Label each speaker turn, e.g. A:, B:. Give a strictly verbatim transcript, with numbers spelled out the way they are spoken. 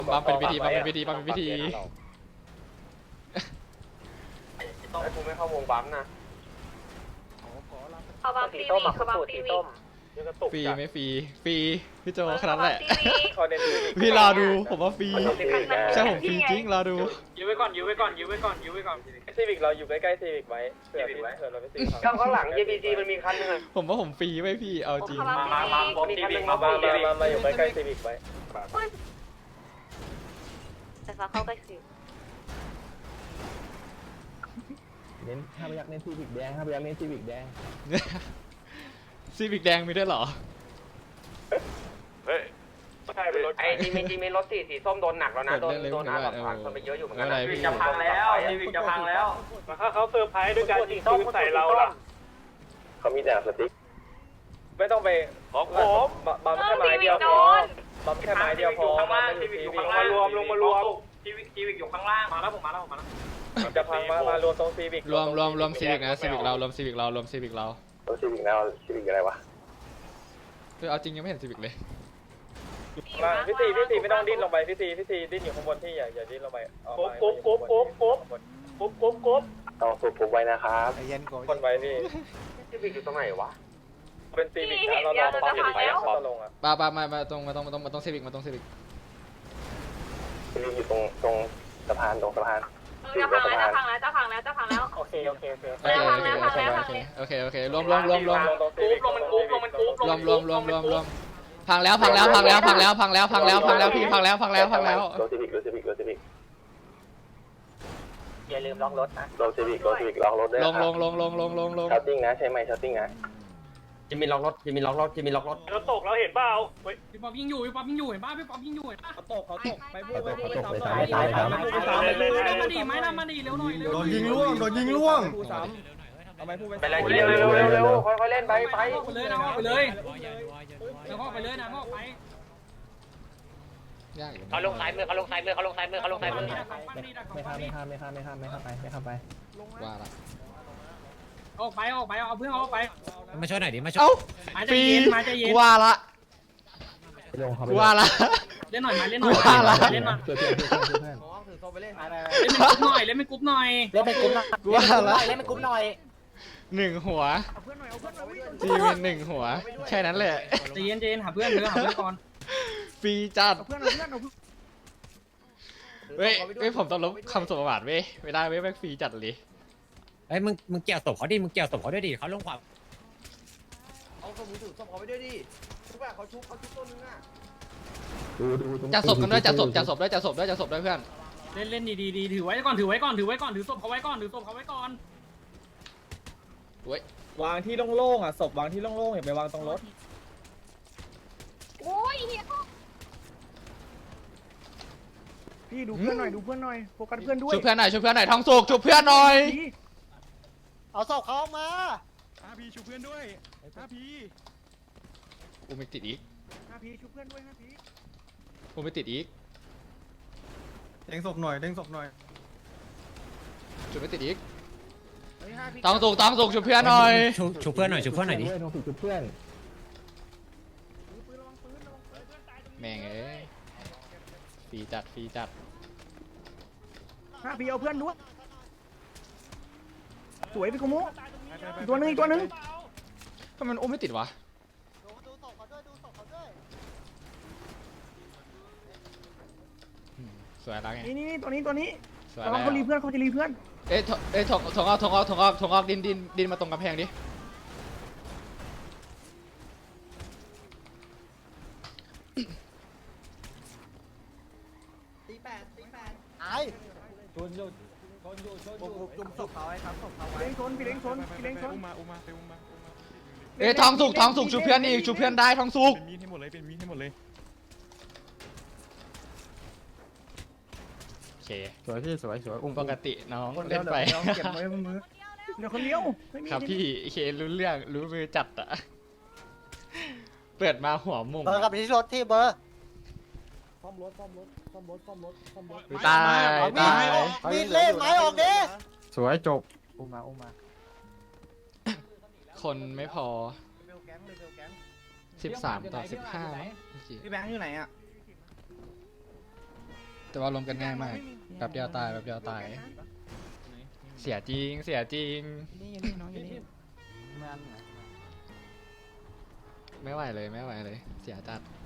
A: บัมเป็นพิธีบัมเป็นพิธีบัมเป็นพิธี
B: ต้องให้กูไม่เข้าวงบัมนะ
C: เขาบัมตีวีเขาบัมตีวี
A: ฟรีไม่ฟรีฟรีพี่โจขนาดแหละ
B: เขาเน้น
A: พี่รอดูผมว่าฟรีใช่ผมฟรีจริงรอดู
D: ยื้อไว้ก่อนยื้อไว้ก่อนยื้อไว้ก่อนยื้อไว้ก่อน
B: ซีวิกเราอยู่ใกล้ๆซีวิกไว้เผื่อเผื่อเราไปซื้อข้างหลัง เจ พี ซี มันมีคันนึง
A: ผมว่าผมฟรีไว้พี่เอาจริง
D: มามามาบอม
B: มี
D: ที
B: คัน
D: วี
B: นึง
D: มา
B: มา
D: บอ
B: มาม
D: ทีวี
B: มามาอยู่ใกล้ๆซีวิกไว้
C: แต่ฟ้าเข้าใกล้สิ
E: เน้นห้าพยักเน้นซีวิกแดงห้าพยักเน้นซีวิกแดง
A: ซีวิกแดงมีด้วยเหรอ
B: เฮ้ยใช่เป็นรถไอ้จีมีจีมีรถสีสีส้มโดนหนักแล้วนะโดนโดนอาร์ตผ่านคนไปเยอะอยู่เหมือนกัน
D: ทีวีจะพังแล้วทีวีจะพังแล้ว
B: ถ้าเขาเซอร์ไพรส์ด้วยการยิงปืนใส่เราล่ะเขามีแต่สติ๊กไม่ต้องไปของผมบัมแค่ไม้เดียวพอบัมแค่ไม้เดียวพอ
D: ข้างล่างทีวีอยู่ข้างล่างมารวมลงมารวมทีวีทีวีอยู่ข้างล่างมาแล้วผมมาแล้วผมมาแล้ว
B: จะพังมามารวมตรงซีวิก
A: รวมรวมรวมซีวิกนะซีวิกเรารวมซีวิกเรารวมซีวิกเรา
B: ตัวซีวิกแล้วซีวิกอะไรวะ
A: คือเอาจริงยังไม่เห็นซีวิกเลย
B: มาพี่ซีพี่ซีไม่ต้องดิ้นลงไปพี่ซีพี่ซีดิ้นอยู่ข้างบนที่อย่าอย่าดิ้นลงไปกบกบกบกบกบกบกบกบต้องสูบกบไว้นะครับเย็นคนไว้พี่ซีวิกอยู่ตรงไหนวะเป็นซีวิกนะเราเราปั๊มอยู่ไปแล้วลงอ่ะ
A: ป้าป้ามามาตรงมาตรงมาตรงมาตรงซีวิกมาตรงซีวิก
B: ซีวิกอยู่ตรงตรงสะพานตรงสะพาน
C: จะพังแล้วจะพังแล้วจะพังแล้วจะพังแล้ว
B: โอเคโอเคโอเค
A: โอเคโอเคโอเคโอเคโอเคโอเครวมรวมรวมรวม
D: กรุ๊ปลงมันกรุ๊ปลงมันกรุ๊ป
A: รวมรวมรวมรวมรวมพังแล้วพังแล้วพังแล้วพังแล้วพังแล้วพังแล้วพังแล้วพี่พังแล้วพังแล้วพังแล้ว
B: รถซีวิกรถซีวิกรถซีวิกอย่าลืมล็อกรถนะรถซีวิกรถซีวิกล็อกรถด้วย
A: ลงลงลงลงลงลงลง
B: ชาร์ติ้งนะใช่ไหมชาร์ติ้งนะ
D: จะมีล็อกรถจะมีล็อกรถจะมีล็อกรถ
B: รถตกเราเห็นเปล่า
D: พี่ป๊อปยิงอยู่พี่ป๊อปยิงอยู่เห็นป่ะพี่ป๊อปยิงอยู่เห็นป่ะ
E: เขาตกเขาตกไปพูดไปพูด
D: ไปตามไปตามไปตามไปตามไปมาดิไม่นะมาดิเร็วหน่อยเร็ว
E: โดนยิงล่วงโดนยิงล่วงพูดซ้ำเอาไปพูดไป
B: ไปเลยเร็วเร็วเร็วเร็วค่อยๆเล่นไปไป
D: ไปเลยนะไปเลยแล้วก็ไปเลยนะก็ไป
A: ยากอยู่
F: เขาลงซ้ายมือเขาลงซ้ายมือเขาลงซ้ายมือเขาลงซ้ายมือ
E: ไม่ข้ามไม่ข้ามไม่ข้ามไม่ข้ามไม่ข้ามไม่ข้ามไปไม่ข้ามไป
A: ว่าละ
D: ออกไปออกไปเอาเพื่อนออกไป
F: มาช่วยหน่อยดิมาช่วย
A: เอ้า
D: มาใจ
A: ฟรี
D: เย็นมาใจเย็น
A: กูว่าละ
E: ลงเขาไป
A: กูว่าละ
D: เล่นหน่อยมาเล่นหน่อย
A: ว่าละ
D: เล่นหน่อย
E: เพื่อนเพื่อนเพื่อนเพื่อน
D: เล่นเป็นกรุ๊ปหน่อยเล่นเป็นกรุ๊ปหน่อย
F: เล่นเป็นกลุ่มหน่อย
A: กูว่าละ
F: เล่นเป็นกลุ่มหน่อย
A: หนึ่งหัวจีเป็นหนึ่งหัวแค่นั้นแหละ
D: ใจเย็นใจเย็นหาเพื่อนเถอะหาเพื่อนก่อน
A: ฟรีจัดเว้ยเว้ยผมต้องลบคำสมบัติเว้ยไม่ได้เว้ยแม่งฟรีจัดเลย
F: เฮ้ยมึงมึงเกี่ยวศพเขาดิมึงเกี่ยวศพเขาด้วยดิเขาลงความ
E: ดูดู
A: จัดศพกันด้วยจัดศพจัดศพด้วยจัดศพด้วยจัดศพด้วยเพื่อน
D: เล่นเล่นดีดีดีถือไว้ก่อนถือไว้ก่อนถือไว้ก่อนถือศพเขาไว้ก่อนถือศพเขาไว้ก่อน
A: เว้ยว
E: างที่โล่งๆอ่ะศพวางที่โล่งๆอย่าไปวางตรงรถ
C: โอ้ยเฮีย
G: พี่ดูเพื่อนหน่อยดูเพื่อนหน่อยโฟกัสเพื่อนด้วย
A: ช่วยเพื่อนหน่อยช่วยเพื่อนหน่อยทองสุกช่วยเพื่อนหน่อย
F: เอาศพเขามา
G: ห้าพีชูเพื่อนด้วยห้าพี
A: กูไม่ติดอีก
G: ห้าพีชูเพื่อนด้วยห้าพี
A: กูไม่ติดอีก
E: เด้งศพหน่อยเด้งศพหน่อย
A: ช่วยไม่ติดอีก
G: เฮ้ยห้าพี
A: ทองสุกทองสุกช่วยเพื่อนหน่อย
F: ชูชูเพื่อนหน่อยชูเพื่อนหน่อยดิ
E: ลงผิดจุดเพื่อน
A: แม่งเอ้ยฟรีจัดฟรีจัด
G: ห้าพีเอาเพื่อนด้วยสวยพี่กุโมอีกตัวหนึงอีกตัวหนึง
A: ทำไมมันอุ้มไม่ติดวะอืมสวยแล้วไง
G: นี่นี่นี่ตัวนี้ตัวนี้
A: สวย
G: ระ
A: แล้
G: วังเขารีเพื่อนเขาจะรีเพื่อน
A: เอ้ยถเอ้ยถงถงออกถงออกถงออกถงออกดินดินดินมาตรงกำแพงดิ
E: ชนอยู่ชนอยู่ชนอยู่จุ่มศพเขาไว้ครับศพเขา
G: พี่เล้งชนพี่เล้งชนพี่เล้งชน
H: อุ้มมาอุ้มมาไปอุ้มมาอุ้มมา
A: เอ้ยทองสุกทองสุกช่วยเพื่อนอีกช่วยเพื่อนได้ทองสุก
H: เป็นมีดให้หมดเลยเป็นมีดให้หมดเลย
A: โอเค
E: สวยพี่สวยสวยอุ้ม
A: ปกติน้อง
E: คน
A: เล่นไป
E: เดียวเก็บไว้บนมือ
G: เดี๋ยวคนเดียวไม่มี
A: ครับพี่เครู้เรื่องรู้มือจัดอะเปิดมาหัวมุม
F: เบอร์กับไปที่รถที่เบอร์
E: ซ่อมรถซ่อมรถซ่อมรถซ่อมรถซ่อมรถ
A: ตายตาย
F: มีดเล่นไม้ออกดิ
E: สวยจบอุ้มมาอุ้มมา
A: คนไม่พอสิบสามต่อสิบห้า
E: พี่แบงค์อยู่ไหนอ่ะ
A: แต่ว่ารวมกันง่ายมากแบบเดียวตายแบบเดียวตาย เสียจริงเสียจริงไม่ไหวเลยไม่ไหวเลยเสียจัด